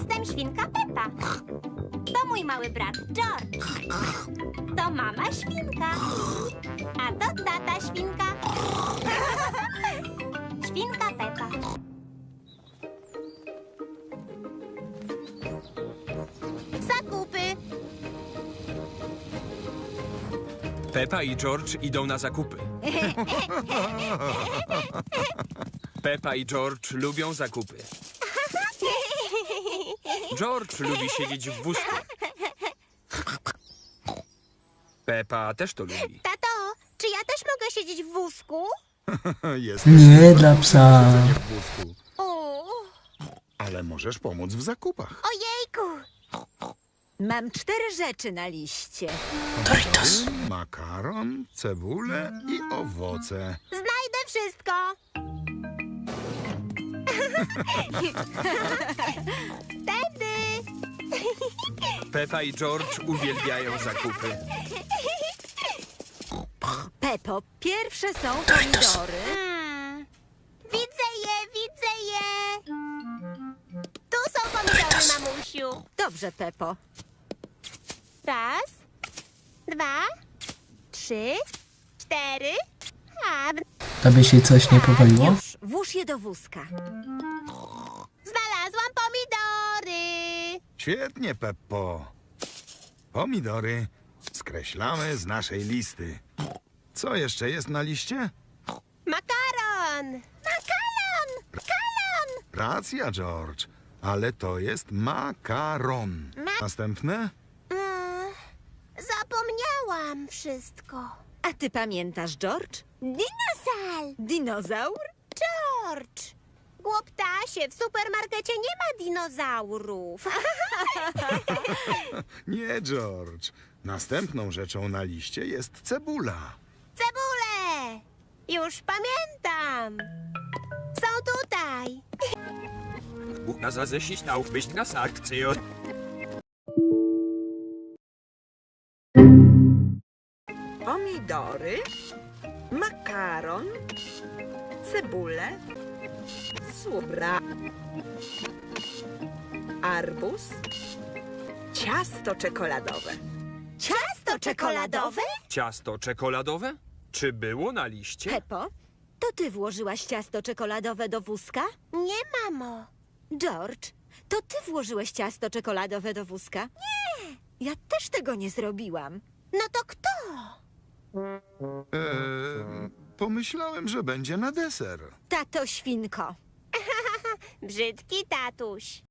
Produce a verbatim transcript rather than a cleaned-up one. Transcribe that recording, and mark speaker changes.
Speaker 1: Jestem świnka Pepa. To mój mały brat George. To mama świnka. A to tata świnka. Świnka Pepa. Zakupy.
Speaker 2: Pepa i George idą na zakupy. Pepa i George lubią zakupy. George lubi siedzieć w wózku. Pepa też to lubi.
Speaker 1: Tato, czy ja też mogę siedzieć w wózku?
Speaker 3: Jest
Speaker 4: Nie dla psa.
Speaker 3: siedzenie w wózku,
Speaker 1: O,
Speaker 3: ale możesz pomóc w zakupach.
Speaker 1: ojejku.
Speaker 5: Mam cztery rzeczy na liście.
Speaker 4: Doritos.
Speaker 3: Makaron, cebulę i owoce.
Speaker 1: Znajdę wszystko. Wtedy.
Speaker 2: Pepa i George uwielbiają zakupy.
Speaker 5: Pepo, pierwsze są pomidory.
Speaker 1: Hmm. Widzę je, widzę je. Tu są pomidory, mamusiu.
Speaker 5: Dobrze, Pepo.
Speaker 1: Raz, dwa, trzy, cztery. A,
Speaker 4: Tobie się coś nie powaliło?
Speaker 5: Już, włóż je do wózka.
Speaker 1: znalazłam pomidory.
Speaker 3: Świetnie, Peppo. Pomidory skreślamy z naszej listy. Co jeszcze jest na liście?
Speaker 1: Makaron. Makaron. Makaron.
Speaker 3: Racja, George, ale to jest makaron.
Speaker 1: Ma-
Speaker 3: Następne?
Speaker 1: Mm, zapomniałam wszystko.
Speaker 5: A ty pamiętasz, George?
Speaker 1: Dinozaur.
Speaker 5: Dinozaur?
Speaker 1: George. Głuptasie, w supermarkecie nie ma dinozaurów.
Speaker 3: Nie, George. Następną rzeczą na liście jest cebula.
Speaker 1: Cebule. Już pamiętam. Są tutaj.
Speaker 2: Na sich auf mich gesagt,
Speaker 5: Pomidory, makaron, cebulę, słobra, arbuz, ciasto czekoladowe.
Speaker 1: Ciasto czekoladowe?
Speaker 2: Ciasto czekoladowe? Czy było na liście?
Speaker 5: Pepo, to ty włożyłaś ciasto czekoladowe do wózka?
Speaker 1: Nie, mamo.
Speaker 5: George, to ty włożyłeś ciasto czekoladowe do wózka? Nie! Ja też tego nie zrobiłam.
Speaker 1: No to kto?
Speaker 3: Eee, pomyślałem, że będzie na deser.
Speaker 5: Tato świnko.
Speaker 1: Brzydki tatuś.